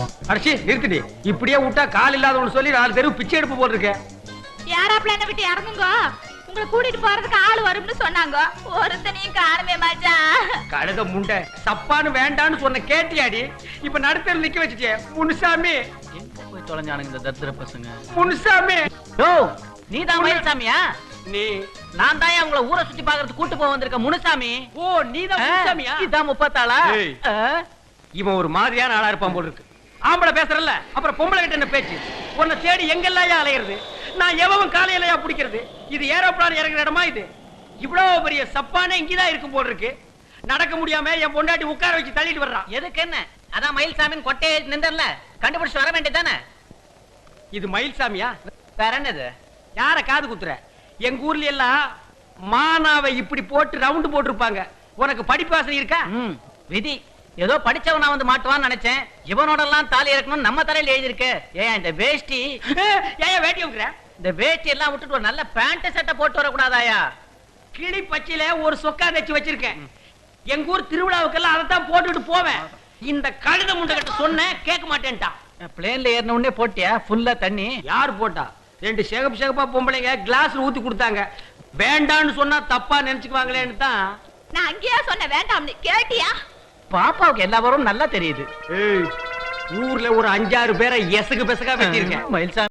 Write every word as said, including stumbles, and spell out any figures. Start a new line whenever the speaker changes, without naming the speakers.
அடிச்சு நிறுத்திடி. இப்படியே விட்டா கால் இல்லாதவனு சொல்லி நாலு தெருவு பிச்சை எடுப்பு போல் இருக்க.
யாராப்ல என்ன விட்டு இறங்குங்க, உங்களை கூட்டிட்டு போறதுக்கு ஆள் வரும்னு சொன்னாங்க. ஒருத்தனையும் காணுமே மச்சான்.
கழுத முண்டை சப்பான்னு வேண்டான்னு சொன்ன கேட்டியாடி? இப்ப நடுத்தர் நிக்க வச்சுட்டே. முனுசாமி
எங்க போய் தொலைஞ்சானுங்க இந்த தத்திர பசங்க?
முனுசாமி
ஓ நீதான் மயில்சாமியா?
நீ
நான் தான் உங்களை ஊரை சுத்தி பாக்குறதுக்கு கூட்டு போக வந்திருக்க முனுசாமி.
ஓ நீதான் முனுசாமியா?
இதான் முப்பத்தாளா?
ஏய். இவன் ஒரு மாதிரியான ஆளா இருப்பான் போல இருக்கு. ஆம்பளை பேசுறல்ல, அப்புறம் பொம்பளை கிட்ட என்ன பேச்சு? உன்னை தேடி எங்கெல்லாம் அலையிறது? நான் எவன் காலையிலயா பிடிக்கிறது? இது ஏரோப்ளான் இறங்குற இடமா? இது இவ்வளவு பெரிய சப்பானே இங்கதான் இருக்கும் போல இருக்கு. நடக்க முடியாம என் பொண்டாட்டி உட்கார வச்சு தள்ளிட்டு வர்றான்.
எதுக்கு என்ன? அதான் மயில்சாமின் கொட்டையை நின்றல கண்டுபிடிச்சு வர வேண்டியதானே.
இது மயில்சாமியா?
வேற என்னது?
யார காது குத்துற? எங்க ஊர்ல எல்லாம் மானாவை இப்படி போட்டு ரவுண்டு போட்டிருப்பாங்க. உனக்கு படிப்பு வாசனை இருக்கா?
ம், விதி. ஏதோ படிச்சவனா வந்து மாட்டுவான்னு நினைச்சேன். இவனோட எல்லாம் தாலி இறக்கணும் நம்ம தலையில எழுதிருக்கு. ஏன் இந்த வேஷ்டி?
ஏன் வேட்டி வைக்கிற?
இந்த வேஷ்டி எல்லாம் விட்டுட்டு ஒரு நல்ல பேண்ட் சட்டை போட்டு வரக்கூடாதாயா?
கிளி பச்சையில ஒரு சொக்கா தச்சு வச்சிருக்கேன். எங்க ஊர் திருவிழாவுக்கெல்லாம் அதைத்தான் போட்டுட்டு போவேன். இந்த கழுத முண்டை கிட்ட சொன்ன கேட்க மாட்டேன்ட்டான்.
பிளேன்ல ஏறின உடனே போட்டியா ஃபுல்லா தண்ணி?
யார் போட்டா? ரெண்டு சேகப் சேகப்பா பொம்பளைங்க கிளாஸ்ல ஊத்தி கொடுத்தாங்க. வேண்டான்னு சொன்னா தப்பா நினைச்சுக்குவாங்களேன்னு தான்.
நான் அங்கேயா சொன்ன வேண்டாம்னு, கேட்டியா?
பாப்பாவுக்கு எல்லா வரும் நல்லா தெரியுது.
ஊர்ல ஒரு அஞ்சாறு பேரை எசகு பெசகா வச்சிருக்கேன்.
மயில்சாமி